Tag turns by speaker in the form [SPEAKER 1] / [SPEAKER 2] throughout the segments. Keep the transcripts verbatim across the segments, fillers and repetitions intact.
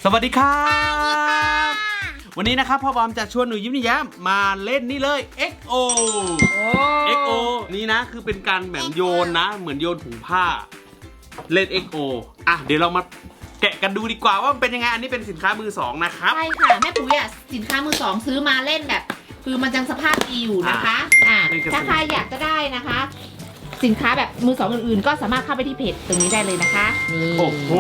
[SPEAKER 1] วัสดีครับวันนี้นะครับพ่อบอมจะชวนหนูยิ้มหนูแย้มมาเล่นนี่เลย เอ็กซ์ โอ เอ็กซ์ โอ นี่นะคือเป็นการแบบโยนนะเหมือนโยนถุงผ้าเล่น เอ็กซ์ โอ อ่ะเดี๋ยวเรามาแกะกันดูดีกว่าว่ามันเป็นยังไงอันนี้เป็นสินค้ามือสองนะครับ
[SPEAKER 2] ใช่ค่ะแม่ปุ๋ยอ่ะสินค้ามือสองซื้อมาเล่นแบบคือมันยังสภาพดีอยู่นะคะอ่าถ้าใครอยากจะได้นะคะ สินค้าแบบมือสองอื่นๆก็สามารถเข้าไปที่เพจตรงนี้ได้เลยนะคะนี่
[SPEAKER 1] โอ้โห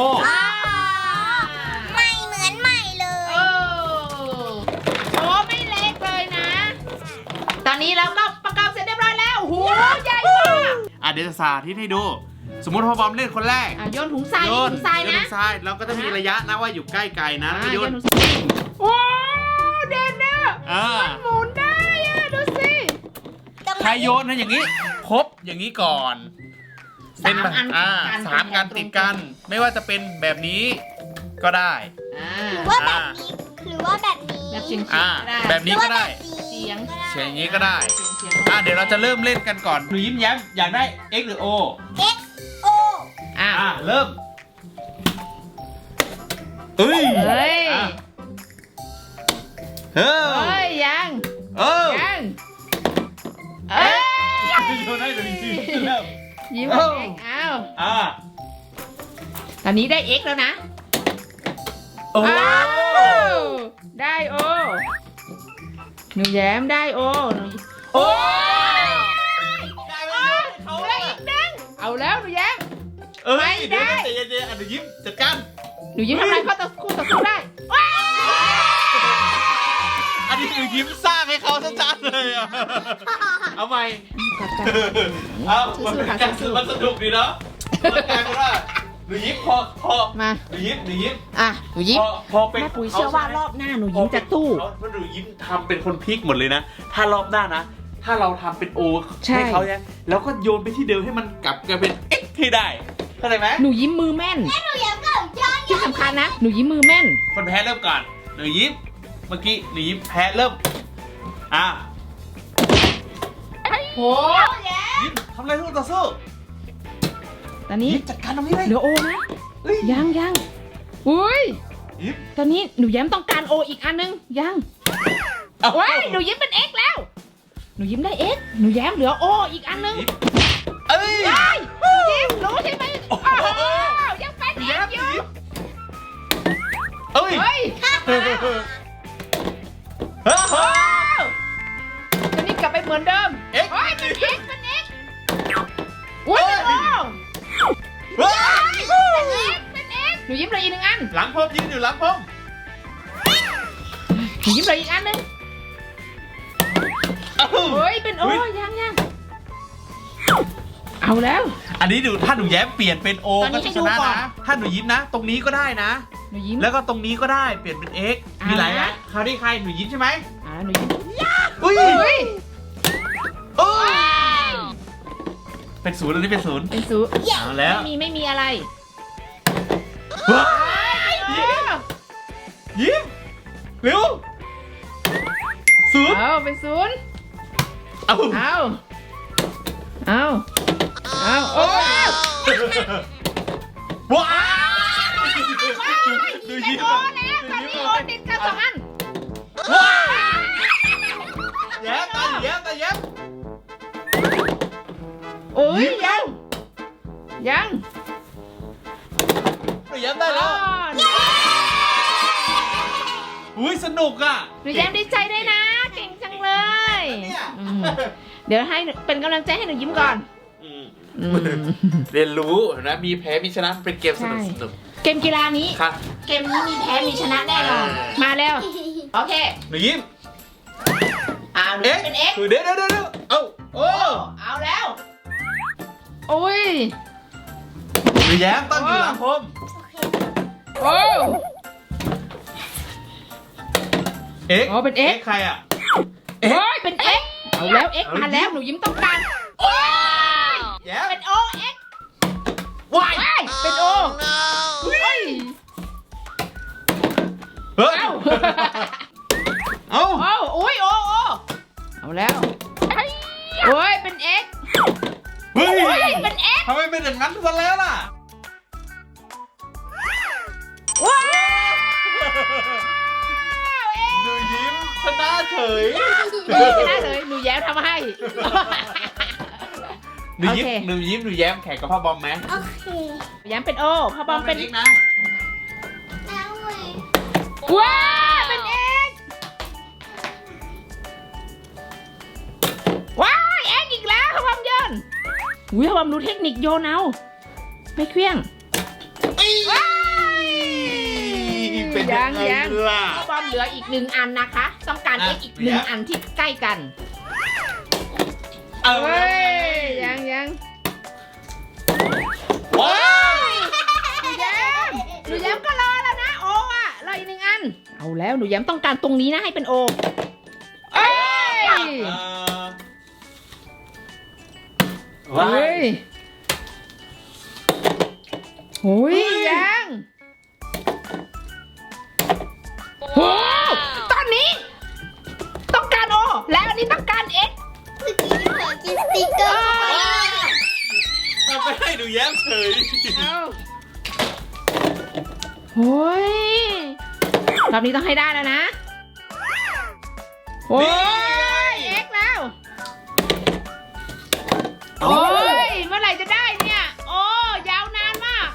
[SPEAKER 3] ไม่เหมือนใหม่เลย
[SPEAKER 2] โอ้โหไม่เล็กเลยนะตอนนี้เราก็ประกอบเสร็จเรียบร้อยแล้วโอ้โหใหญ่มาก
[SPEAKER 1] อ่ะเดี๋ยวจะสาธิตให้ดูสมมติพ่อบอมเล่นคนแรก
[SPEAKER 2] อ่ะโยนถุงทรายโยนถุงทรายนะ
[SPEAKER 1] โยนถุงทรายเราก็จะมีระยะนะว่าอยู่ใกล้ไกลนะแล้วโยน
[SPEAKER 2] โอ้เด่นนะมันหมุนได้อะดูสิ
[SPEAKER 1] ใครโยนนะอย่างนี้ครบอย่างนี้ก่อน
[SPEAKER 2] เป็นแบบ
[SPEAKER 1] อ่าสามกันติดกันไม่ว่าจะเป็นแบบนี้ก็ได้
[SPEAKER 3] หรือว่าแบบนี้หรือว่าแบบนี้
[SPEAKER 2] แบบเฉียง
[SPEAKER 1] อ่าแบบนี้ก็ได้
[SPEAKER 2] เฉียง
[SPEAKER 1] เฉียงอย่างนี้ก็ได้อ่าเดี๋ยวเราจะเริ่มเล่นกันก่อนหนูยิ้มแย้มอยากได้ X หรือ O
[SPEAKER 3] X O
[SPEAKER 1] อ่าเริ่มเฮ้ย
[SPEAKER 2] เฮ้ย
[SPEAKER 1] เฮ้
[SPEAKER 2] ยยัง
[SPEAKER 1] เออ
[SPEAKER 2] ยังเอ้ย
[SPEAKER 1] โยนให้หนูยิ้มแล้ว
[SPEAKER 2] ยิ้มเองอ้าว
[SPEAKER 1] อ่า
[SPEAKER 2] ตอนนี้ได้ X แล้วนะ
[SPEAKER 1] โอ้
[SPEAKER 2] ได้ O หนูแย้มได้ O โอ้ได้ไหมเขาได้อีกนึงเอาแล้วหนูแย้ม
[SPEAKER 1] ไม่ได้เดี๋ยวเดี๋ยวหนูยิ้มจัดการ
[SPEAKER 2] หนูยิ้มทำไรเขาต่อคู่ต่อสู้ได้
[SPEAKER 1] อันนี้หนูยิ้มสร้างให้เขาชัดๆเลยอ่ะเอาใหม่เอามันสนุกดีเนาะมันกลายเป็นว่าหนูยิ้มพอพอ
[SPEAKER 2] มา
[SPEAKER 1] หนูยิ้มหนูยิ้ม
[SPEAKER 2] อ่ะหนูยิ้ม
[SPEAKER 1] พอเป็น
[SPEAKER 2] แม่ปุ๋ยเชื่อว่ารอบหน้าหนูยิ้มจะตู้
[SPEAKER 1] เพราะหนูยิ้มทำเป็นคนพลิกหมดเลยนะถ้ารอบหน้านะถ้าเราทำเป็นโอให้เขาเนี่ยแล้วก็โยนไปที่เดิมให้มันกลับกลายเป็นเอ็กให้ได้เข้าใจไหม
[SPEAKER 2] หนูยิ้มมือแม่น
[SPEAKER 3] หนูยิ้มก็ย้อน
[SPEAKER 2] ที่สำคัญนะหนูยิ้มมือแม่น
[SPEAKER 1] คนแพ้เริ่มก่อนหนูยิ้มเมื่อกี้หนูยิ้มแพ้เริ่มอ่ะ
[SPEAKER 2] โห
[SPEAKER 1] ยิ้มทำอะไรทุกต่อสู้
[SPEAKER 2] ตอนนี้
[SPEAKER 1] จัดการตรงนี้เลย
[SPEAKER 2] เหลือโอนะยังยังอุ้ยตอนนี้หนูยิ้มต้องการโออีกอันนึงยังเว้ยหนูยิ้มเป็น X แล้วหนูยิ้มได้ X หนูแย้มเหลือโออีกอันนึง
[SPEAKER 1] เอ้ย
[SPEAKER 2] หนูยิ้มรู้ใช่ไหมยังเป็น X อยู่
[SPEAKER 1] เอ้ย
[SPEAKER 2] เฮ้ยตอนนี้กลับไปเหมือนเดิม
[SPEAKER 1] X
[SPEAKER 2] เป็น X เป็น X อุ้ยเป็นโอเฮ้ยเป็น X หนูยิ้มเลยอีกหนึ่งอัน
[SPEAKER 1] หลังพมยืนอยู่หลังพม
[SPEAKER 2] หนูยิ้มเลยอีกอันนึงเฮ้ยเป็นโอยังยังเอาแล้ว
[SPEAKER 1] อันนี้ดูถ้าหนูแย้มเปลี่ยนเป็นโอก็ชนะนะถ้าหนูยิ้มนะตรงนี้ก็ได้นะ
[SPEAKER 2] หนูยิ้ม
[SPEAKER 1] แล้วก็ตรงนี้ก็ได้เปลี่ยนเป็น X มีหลายนะคราวนี้ใครหนูยิ้มใช่ไหม
[SPEAKER 2] อ่าหนูยิ้ม
[SPEAKER 1] อุ้ย
[SPEAKER 2] อุ้ย
[SPEAKER 1] เป็นศูนย์อันนี้เป็นศูนย์
[SPEAKER 2] เป็นศูนย์
[SPEAKER 1] เอาแล้ว
[SPEAKER 2] ไม่มีไม่มีอะไร
[SPEAKER 1] ยิ้มเร็วศูนย์
[SPEAKER 2] เอาเป็นศูนย์
[SPEAKER 1] เอา
[SPEAKER 2] เอาเอาเอาโอ้
[SPEAKER 1] ว้าว
[SPEAKER 2] ดูยิ้มโอแล้วตอนนี้โอติดกันสองอัน
[SPEAKER 1] ว้าวแย้มตาแย้มตาแย้ม
[SPEAKER 2] โอ้ยยังยัง
[SPEAKER 1] แย้มได้แล้วอุ้ยสนุกอ่ะ
[SPEAKER 2] หนูแย้มดีใจด้วยนะเก่งจังเลยเดี๋ยวให้เป็นกำลังใจให้หนูยิ้มก่อน
[SPEAKER 1] เรียนรู้นะมีแพ้มีชนะเป็นเกมสนุกสนุก
[SPEAKER 2] เกมกีฬานี้เกมนี้มีแพ้มีชนะแน่นอนมาแล้วโอเค
[SPEAKER 1] หนูยิ้ม
[SPEAKER 2] อ่าหนูเป็น X
[SPEAKER 1] เดี๋ยวเดี๋ยวเดี๋ยวเอาโอ้
[SPEAKER 2] เอาแล้วโอ้ย
[SPEAKER 1] หนูแย้มตั้งอยู่หลังผม
[SPEAKER 2] โอ้
[SPEAKER 1] เอ็ก
[SPEAKER 2] อ๋อเป็น X
[SPEAKER 1] ใครอ่ะ
[SPEAKER 2] เฮ้ยเป็น X เอาแล้ว X มาแล้วหนูยิ้มต้องการโอ้ยเป็น O X
[SPEAKER 1] ว้าย
[SPEAKER 2] เป็น O เฮ้ย
[SPEAKER 1] เฮ้ยเอา
[SPEAKER 2] เอาโอ้ยโอโอเอาแล้วโอ้ยเป็น X
[SPEAKER 1] เฮ้ย
[SPEAKER 2] เป็น X
[SPEAKER 1] ทำไมเป็นอย่างนั้นซะแล้วล่ะ
[SPEAKER 2] ว้าว
[SPEAKER 1] เฉย
[SPEAKER 2] หนูยิ้มชนะเลยหนูแย้มทำให้
[SPEAKER 1] หนูยิ้ม
[SPEAKER 2] โอเค
[SPEAKER 1] หนูยิ้มหนูแย้มแข่งกับพ่อบอมไหม
[SPEAKER 3] โอเค
[SPEAKER 2] แย้มเป็นโอพ่อบอมเป็น
[SPEAKER 1] อีกนะ
[SPEAKER 3] แล้วเว้ย
[SPEAKER 2] ว้าเป็นเอกว้ายเอกอีกแล้วพ่อบอมโยนอุ้ยพ่อบอมรู้เทคนิคโยนเอาไม่เคลี้ยงว้าย
[SPEAKER 1] เป็น
[SPEAKER 2] ยั
[SPEAKER 1] ยัง งไง
[SPEAKER 2] ยัง
[SPEAKER 1] ล่ะ
[SPEAKER 2] พ่อบอมเหลืออีกหนึ่งอันนะคะ ต้องการเอกอีกหนึ่งอันที่ใกล้กัน
[SPEAKER 1] เอา
[SPEAKER 2] เฮ้ยยังยัง
[SPEAKER 1] ว้าว
[SPEAKER 2] หนูแย้มหนูแย้มก็รอแล้วนะโออ่ะรออีกหนึ่งอันเอาแล้วหนูแย้มต้องการตรงนี้นะให้เป็นโอเอ้ย
[SPEAKER 1] เอ่อว้า
[SPEAKER 2] เฮ้
[SPEAKER 1] ย
[SPEAKER 2] ยโอ้ยยังโอ้ตอนนี้ ต้องการโอแล้วอันนี้ต้องการเอ็ก
[SPEAKER 3] เมื่อกี้เผลอกินสติ๊กเกอร์
[SPEAKER 1] ทำไปให้หนูแย้มเฉย
[SPEAKER 2] เอาโอ้ยรอบนี้ต้องให้ได้แล้วนะโอ้ยเอ็กแล้วโอ้ยเมื่อไหร่จะได้เนี่ยโอ้ยาวนานมาก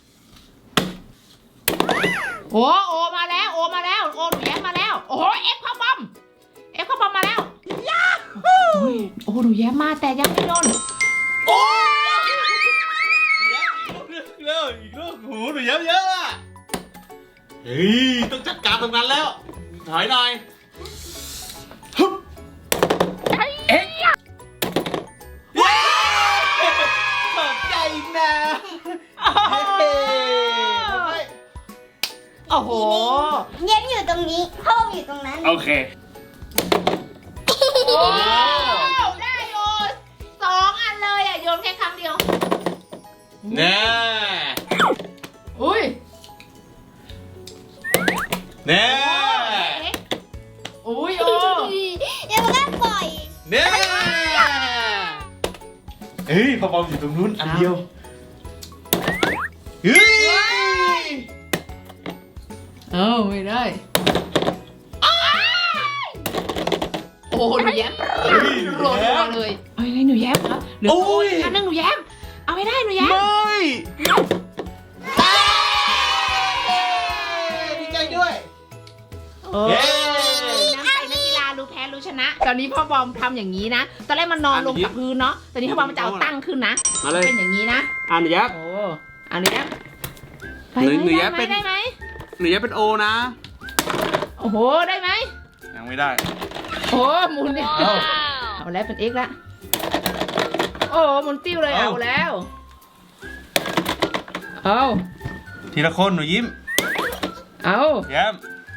[SPEAKER 2] โอ้โอมาแล้วโอมาแล้วโอหนูแย้มมาแล้วโอ้โหเอ็กพ่อบอมเอ็กพ่อบอมมาแล้วยาฮู้โอ้หนูแย้มมาแต่ยังไม่โดน
[SPEAKER 1] โอ้ยอีกแล้วอีกแล้วโอ้โหหนูแย้มเยอะอะเฮ้ยต้องจัดการตรงนั้นแล้วถอยหน่อยฮึบเอ๊ะว้าวขอบใจนะ
[SPEAKER 2] โอ้โห
[SPEAKER 3] เย็นอยู่ตรงนี้พ่ออยู่ตรงนั้น
[SPEAKER 1] โอเค
[SPEAKER 2] โอ้ได้โยนสองอันเลยอ่ะโยนแค่ครั้งเดียว
[SPEAKER 1] แน่
[SPEAKER 2] อุ้ย
[SPEAKER 1] แน่
[SPEAKER 2] อุ้ยโอ้
[SPEAKER 3] เดี๋ยวมันก็ปล่อย
[SPEAKER 1] แน่เฮ้ยพอบอมอยู่ตรงนู้นอันเดียวเฮ้ย
[SPEAKER 2] เอ้าไม่ได้โอ้หนูแย้มโรยเลยเอ้ยหนูแย้มครับเหลือโอ้ยอันนึงหนูแย้มเอาไม่ได้หนูแย้ม
[SPEAKER 1] ไม่ดีใจด้วย
[SPEAKER 2] เออน้ำใจนักกีฬารู้แพ้รู้ชนะ ตอนนี้พ่อบอมทำอย่างนี้นะ ตอนแรกมันนอนลงกับพื้นเนาะ ตอนนี้พ่อบอมจะเอาตั้งขึ้นนะ
[SPEAKER 1] มาเลย
[SPEAKER 2] เป็นอย่างนี้นะ
[SPEAKER 1] อ่านหนูยับ
[SPEAKER 2] โอ้อันนี้นะ
[SPEAKER 1] หนูหนูแย้มเป็น
[SPEAKER 2] ได้ไหม
[SPEAKER 1] หนูยับเป็นโอนะ
[SPEAKER 2] โอ้โห ได้ไหม
[SPEAKER 1] ยังไม่ได้
[SPEAKER 2] โอ้หมุนเนี่ย
[SPEAKER 1] เอา
[SPEAKER 2] เอาแล้วเป็นเอ็กซ์ละโอ้หมุนติ้วเลย
[SPEAKER 1] เอา
[SPEAKER 2] เอาแล้ว เอา
[SPEAKER 1] ทีละคนหนูยิ้ม
[SPEAKER 2] เอา
[SPEAKER 1] แย้ม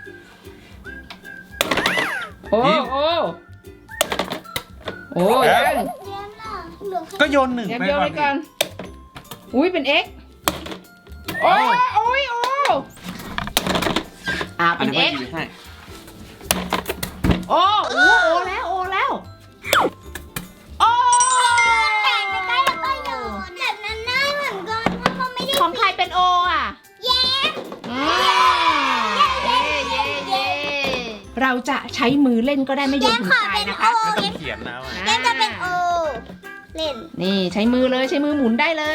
[SPEAKER 2] โอ้
[SPEAKER 1] ยิ้ม
[SPEAKER 2] โอ้โอ้
[SPEAKER 1] แย้
[SPEAKER 2] ยัง
[SPEAKER 1] ม
[SPEAKER 3] เย็นล่ะเหลือแค่
[SPEAKER 1] ก็โยนหนึ่ง
[SPEAKER 2] แย้ม
[SPEAKER 1] ไป
[SPEAKER 2] โยน
[SPEAKER 1] ก่อ
[SPEAKER 2] ไป
[SPEAKER 1] น
[SPEAKER 2] ก่อนอุ้ยเป็นเอ็กซ์โอ้ยโอ้ยโอ้อ่า
[SPEAKER 1] อัน
[SPEAKER 2] เป็น
[SPEAKER 1] นี้
[SPEAKER 2] เอ็ก
[SPEAKER 1] ไม่
[SPEAKER 2] ซ์
[SPEAKER 1] ดีให้
[SPEAKER 2] โอ้โอ้โอ้แล้วโอ้แล้วโอ้
[SPEAKER 3] แต่งใกล้ๆแล้วก็โยนแบบนั้นน่าเหมือนกันว่าเขาไม่ได้
[SPEAKER 2] ของใครเป็นโออ่ะ
[SPEAKER 3] แย้ม
[SPEAKER 2] อืมเย้เย้เย้เราจะใช้มือเล่นก็ได้ไม่โยนถึงตายนะคะ
[SPEAKER 1] ไม่ต้องเขียนนะว่า
[SPEAKER 3] แย้มจะเป็นโอเล่น
[SPEAKER 2] นี่ใช้มือเลยใช้มือหมุนได้เลย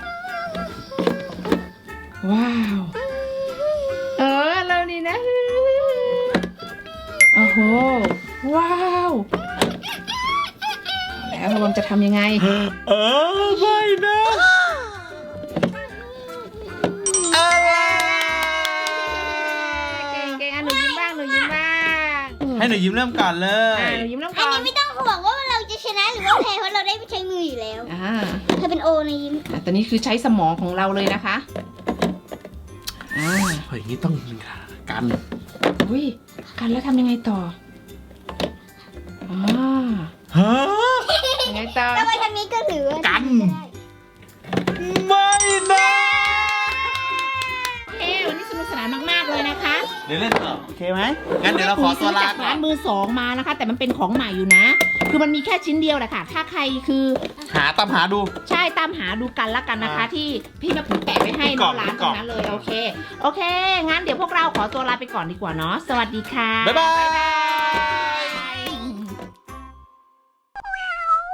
[SPEAKER 2] ว้าว เออเรานี่นะ โอ้โห ว้าวแล้วบอมจะทำยังไง
[SPEAKER 1] เออไม่นะอะไร
[SPEAKER 2] เก่งเก่งอ่ะหนูยิ้มบ้างหนูยิ้มบ้าง
[SPEAKER 1] ให้หนูยิ้มเริ่มก่อนเล
[SPEAKER 2] อ่ะ
[SPEAKER 1] ย
[SPEAKER 2] หนูยิ้มน้ำ
[SPEAKER 3] อัน
[SPEAKER 2] ก่อน
[SPEAKER 3] นี้ไม่ต้องห่วงว่าเราจะชนะหรือว่าแพ้เพราะเราได้ใช้มืออยู่แล้ว
[SPEAKER 2] อ่า
[SPEAKER 3] เธอเป็นโอนะยิ้ม
[SPEAKER 2] อ่ะตอนนี้คือใช้สมองของเราเลยนะคะอ่า
[SPEAKER 1] เฮ้ยนี่ต้องกัน
[SPEAKER 2] อุ้ยกันแล้วทำยังไงต่ออ่า
[SPEAKER 1] ฮะ
[SPEAKER 2] ยังไงต่อ
[SPEAKER 3] แล้วไปทางนี้ก็ถือว่า
[SPEAKER 1] กัน
[SPEAKER 3] ได้
[SPEAKER 1] ไม่นะ
[SPEAKER 2] เอ้วันนี้สนุกสนานมากๆเลยนะคะ
[SPEAKER 1] เดี๋ยวเล่นต่อโอเคไหมงั้นเดี๋ยวเราขอตัวลา
[SPEAKER 2] จาก
[SPEAKER 1] ก่อ
[SPEAKER 2] ร้าน นมือสองมานะคะ แต่มันเป็นของใหม่อยู่นะ คือมันมีแค่ชิ้นเดียวแหละค่ะ ถ้าใครคือ
[SPEAKER 1] หาตามหาดู
[SPEAKER 2] ใช่ตามหาดูกันละกันนะคะ
[SPEAKER 1] อ่า
[SPEAKER 2] ที่พี่แม่ปุ๋ยแปะไว้ให้
[SPEAKER 1] กล่
[SPEAKER 2] เนาะ
[SPEAKER 1] อง
[SPEAKER 2] ร้าน
[SPEAKER 1] ก
[SPEAKER 2] ต
[SPEAKER 1] ล่
[SPEAKER 2] ร
[SPEAKER 1] อง
[SPEAKER 2] งนั้นเลยโอเค โอเค งั้นเดี๋ยวพวกเราขอตัวลาไปก่อนดีกว่าเนาะสวัสดีค่ะ
[SPEAKER 1] บ๊ายบาย
[SPEAKER 2] บ๊ายบาย